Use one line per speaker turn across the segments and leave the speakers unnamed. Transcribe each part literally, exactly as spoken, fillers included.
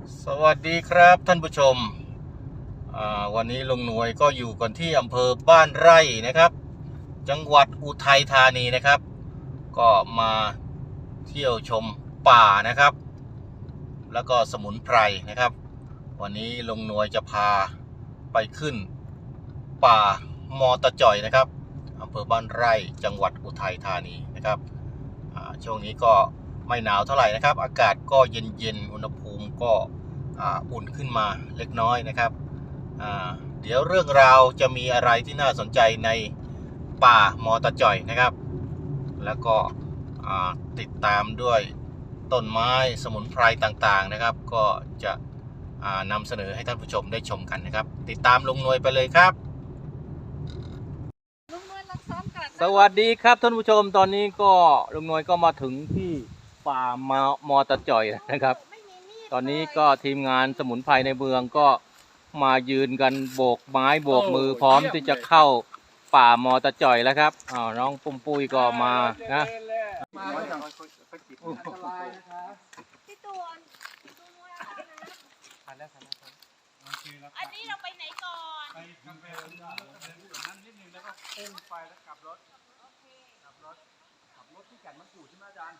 สวัสดีครับท่านผู้ชมวันนี้ลุงหน่วยก็อยู่กันที่อำเภอบ้านไร่นะครับจังหวัดอุทัยธานีนะครับก็มาเที่ยวชมป่านะครับแล้วก็สมุนไพรนะครับวันนี้ลุงหน่วยจะพาไปขึ้นป่ามอตะจ่อยนะครับอำเภอบ้านไร่จังหวัดอุทัยธานีนะครับช่วงนี้ก็ไม่หนาวเท่าไหร่นะครับอากาศก็เย็นๆอุณหภูมิก็อุ่นขึ้นมาเล็กน้อยนะครับเดี๋ยวเรื่องราวจะมีอะไรที่น่าสนใจในป่ามอตะจ่อยนะครับแล้วก็ติดตามด้วยต้นไม้สมุนไพรต่างๆนะครับก็จะนำเสนอให้ท่านผู้ชมได้ชมกันนะครับติดตามลุงหน่วยไปเลยครับสวัสดีครับท่านผู้ชมตอนนี้ก็ลุงหน่วยก็มาถึงที่ป่ามามอตะจ่อยนะครับตอนนี้ก็ทีมงานสมุนไพรในเมืองก็มายืนกันโบกไม้โบกมือพร้อมที่จะเข้าป่ามอตะจ่อยแล้วครับอ้าวน้องปุ้มปุ้ยก็มานะ
พี่ตูนอันนี้เราไปไหนก่อนไปกาแฟนั้นนิดนึงแล้วก็พุ่งไปแล้วกลับรถกลับรถขับรถที่แก่นมะกรูดใช่ไหมอาจารย์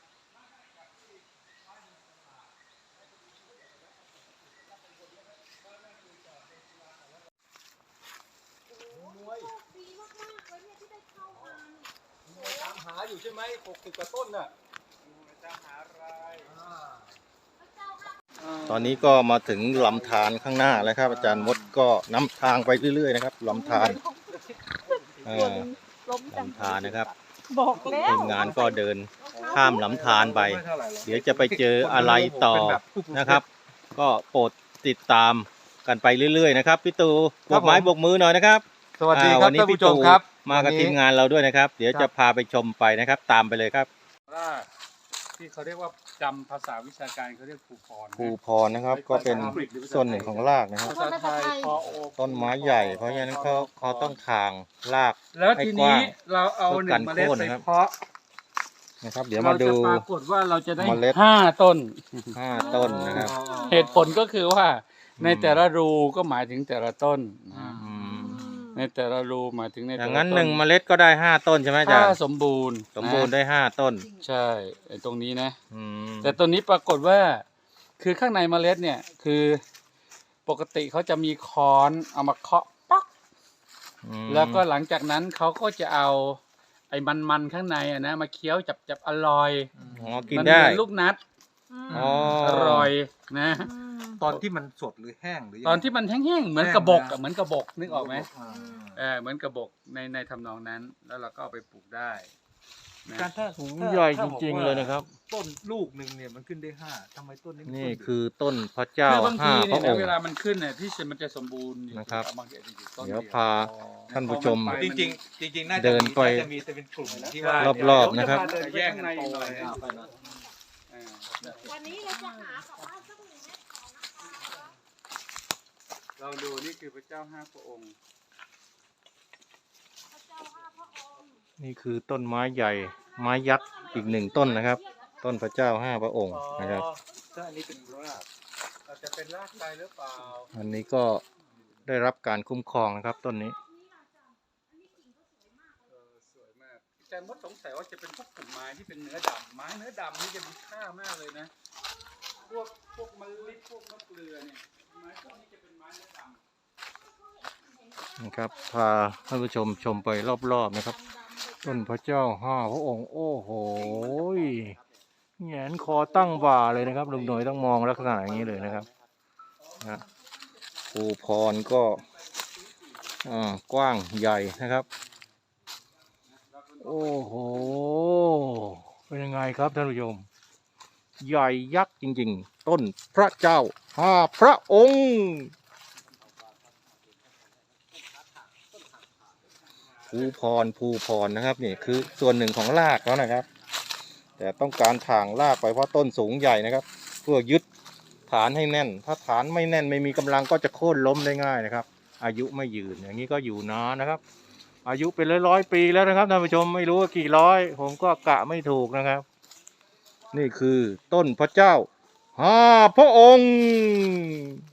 ดีมากๆเลยเนี่ยที่ได้เข้ามา
ตามหาอยู่ใช่ไหมหกสิบกว่าต้นน่ะ
ตามหาอะไร
ตอนนี้ก็มาถึงลำธารข้างหน้าแล้วครับอาจารย์มดก็นำทางไปเรื่อยๆนะครับลำธารลำธารนะครับทีมงานก็เดินข้ามลำธารไปเดี๋ยวจะไปเจออะไรต่อนะครับก็โปรดติดตามกันไปเรื่อยๆนะครับพี่ตู่โบกไม้โบกมือหน่อยนะครับ
สวัสดีครับท่านผู้ชมครับ
มากับทีมงานเราด้วยนะครับเดี๋ยวจะพาไปชมไปนะครับตามไปเลยครับ
ที่เขาเรียกว่าจำภาษาวิชาการเขาเรียกภูพร
ภูพรนะครับก็เป็นส่วนหนึ่งของรากนะครับต้นไม้ใหญ่เพราะฉะนั้นเขาเขาต้องทางราก
แล้วทีนี้เราเอาหนึ่งเมล็ดไปเพาะ
นะครับเดี๋ยวมาดู
ปรากฏว่าเราจะได้ห้าต้น
ห้าต้นนะครับ
เหตุผลก็คือว่าในแต่ละรูก็หมายถึงแต่ละต้นในแต่ละรูหมายถึงในแต่ละต้น
อย่างนั้นหนึ่งเมล็ดก็ได้ห้าต้นใช่ไหมอาจารย์
ถ้าสมบูรณ์
สมบูรณ์ได้ห้าต้น
ใช่ตรงนี้นะแต่ตัวนี้ปรากฏว่าคือข้างในเมล็ดเนี่ยคือปกติเขาจะมีค้อนเอามาเคาะป๊อกแล้วก็หลังจากนั้นเขาก็จะเอาไอ้มันๆข้างในอ่ะนะมาเคี้ยวจับจับอร่อย
อ๋อกินได้
มันเหมือนลูกนัดอร่อยนะ
ตอนที่มันสดหรือแห้งหรือ
ตอนที่มันแห้งๆเหมือนกระบอกอ่ะเหมือนกระบอกนึกออกไหมเออเหมือนกระบอกในในทำนองนั้นแล้วเราก็เอาไปปลูกได้
การถ้า
ใหญ่จริงๆเลยนะครับ
ต้นลูกหนึ่งเนี่ยมันขึ้นได้ห้าทำไมต้นนี้
นี่คือต้นพระเจ้าห้าพระองค์
เวลามันขึ้นเนี่ยที่มันจะสมบูรณ์
นะครับเดี๋ยวพาท่านผู้ชม
จริงๆจริงๆน่าจะ
เดินไป
จะมีเป็นกลุ่มที่ว่าร
อบๆนะครับ
แยกในหน่อย
วันนี้เราจะหากับบ้านสักหนึ่งเม็ดก่อนนะคะ
เราดูนี่คือพระเจ้าห้าพระองค์
พระเจ้าห้าพระองค์
นี่คือต้นไม้ใหญ่ไม้ยักษ์อีกหนึ่งต้นนะครับต้นพระเจ้าห้าพระองค์นะครับ
อันนี้เป็นราก
อาจจะเป็นรากไทรหรือเปล่า
อันนี้ก็ได้รับการคุ้มครองนะครับต้นนี้
สวยมากอาจารย์มดสงสัยว่าจะเป็นพวกกลุ่มไม้ที่เป็นเนื้อดำไม้เนื้อดำนี่จะมีค่ามากเลยนะพวกพวกมะลิพวกมะเกลือเนี่ยไม้พวกนี้จะเป็นไม้เนื้อด
ำนะครับพาท่านผู้ชมชมไปรอบๆนะครับต้นพระเจ้าห้าพระองค์โอ้โหแหงนคอตั้งบ่าเลยนะครับลุงหน่วยต้องมองลักษณะอย่างนี้เลยนะครับนะภูพรก็กว้างใหญ่นะครับโอ้โหเป็นยังไงครับท่านผู้ชมใหญ่ยักษ์จริงๆต้นพระเจ้าห้าพระองค์ภูพรภูพรนะครับนี่คือส่วนหนึ่งของรากแล้วนะครับแต่ต้องการถ่างรากไปเพราะต้นสูงใหญ่นะครับเพื่อยึดฐานให้แน่นถ้าฐานไม่แน่นไม่มีกำลังก็จะโค่นล้มได้ง่ายนะครับอายุไม่ยืนอย่างนี้ก็อยู่นานนะครับอายุเป็นร้อยร้อยปีแล้วนะครับท่านผู้ชมไม่รู้ว่ากี่ร้อยผมก็กะไม่ถูกนะครับนี่คือต้นพระเจ้าห้าพระองค์